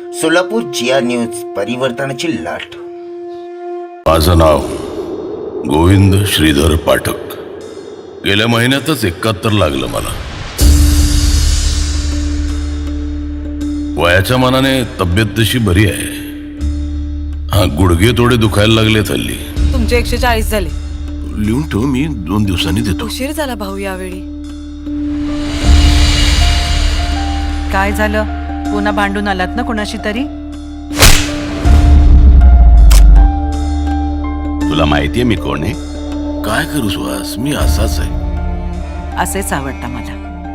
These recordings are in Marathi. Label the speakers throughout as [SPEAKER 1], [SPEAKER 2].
[SPEAKER 1] सोलापूर जिया न्यूज परिवर्तनाची लाट.
[SPEAKER 2] माझं नाव गोविंद श्रीधर पाठक. गेल्या महिन्यातच 71 लागलं मला. वयाच्या मानाने तब्येत तशी बरी आहे. हा, गुडघे थोडे दुखायला लागले हल्ली.
[SPEAKER 3] तुमचे 140 झाले.
[SPEAKER 2] लिहून ठेव, मी 2 दिवसांनी देतो.
[SPEAKER 3] उशीर झाला भाऊ यावेळी.
[SPEAKER 4] काय झालं? पुन्हा भांडून आलात ना कोणाशी तरी?
[SPEAKER 2] तुला माहितीये मी कोण आहे? काय करू सुहास, मी असाच आहे.
[SPEAKER 4] असेच आवडता मला.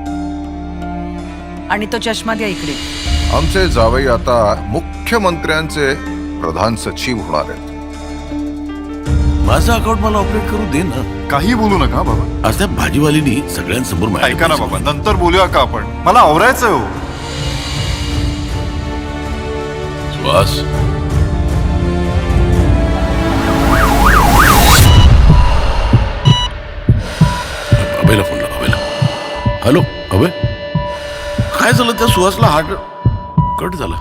[SPEAKER 4] आणि तो चष्मा द्या इकडे.
[SPEAKER 5] आमचे जावई आता मुख्यमंत्र्यांचे प्रधान सचिव होणार आहेत.
[SPEAKER 2] माझं अकाउंट मला ऑपरेट करू दे ना.
[SPEAKER 5] काही बोलू नका बाबा.
[SPEAKER 2] आज त्या भाजीवालीनी सगळ्यांसमोर माझ्या
[SPEAKER 5] ऐका ना बाबा, नंतर बोलूया का आपण? मला आवरायचं हो.
[SPEAKER 2] सुहास, अभयला फोन लाव. अभयला. हॅलो अभय, काय झालं? त्या सुहासला हार्ट कट झाला.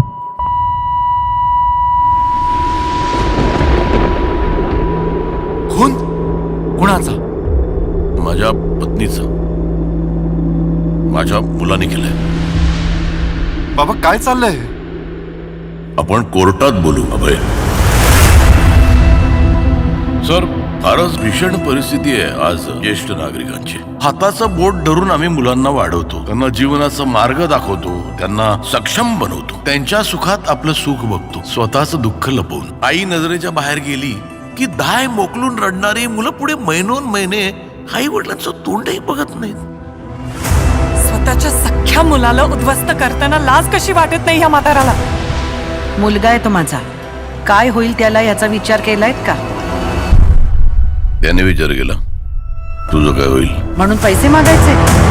[SPEAKER 5] खून कुणाचा?
[SPEAKER 2] माझ्या पत्नीचा. माझ्या मुलाने केलंय.
[SPEAKER 5] बाबा काय चाललंय?
[SPEAKER 2] आपण कोर्टात बोलू अभय. सर, फारच भीषण परिस्थिती आहे आज ज्येष्ठ नागरिकांची. हाताचं बोट धरून आम्ही मुलांना वाढवतो, त्यांना जीवनाचा मार्ग दाखवतो, त्यांना सक्षम बनवतो, त्यांच्या सुखात आपलं सुख बघतो, स्वतःचं दुःख लपवून. आई नजरेच्या बाहेर गेली की दाय मोकलून रडणारी मुलं पुढे महिनोन महिने आई वडिलांचं तोंडही बघत नाहीत.
[SPEAKER 3] स्वतःच्या सख्ख्या मुलाला उद्ध्वस्त करताना लाज कशी वाटत नाही या म्हाताराला?
[SPEAKER 4] मुलगा आहे तो माझा. काय होईल त्याला याचा विचार केलायत का?
[SPEAKER 2] त्याने विचार केला, तुझं काय होईल?
[SPEAKER 4] म्हणून पैसे मागायचे?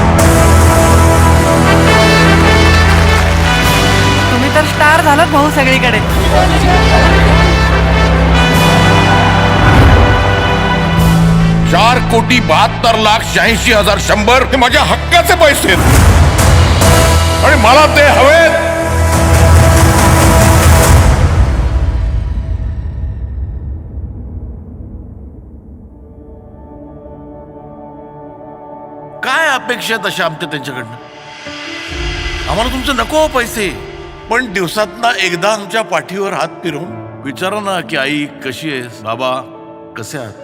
[SPEAKER 3] तुम्ही तर स्टार झालात भाऊ सगळीकडे.
[SPEAKER 2] 4,72,86,100 हे माझ्या हक्काचे पैसे आहेत आणि मला ते हवेत. काय अपेक्षा आहेत अशा आमच्या त्यांच्याकडनं? आम्हाला तुमचं नको पैसे, पण दिवसातना एकदा आमच्या पाठीवर हात फिरवून विचारा ना की आई कशी आहेस, बाबा कसे आहात.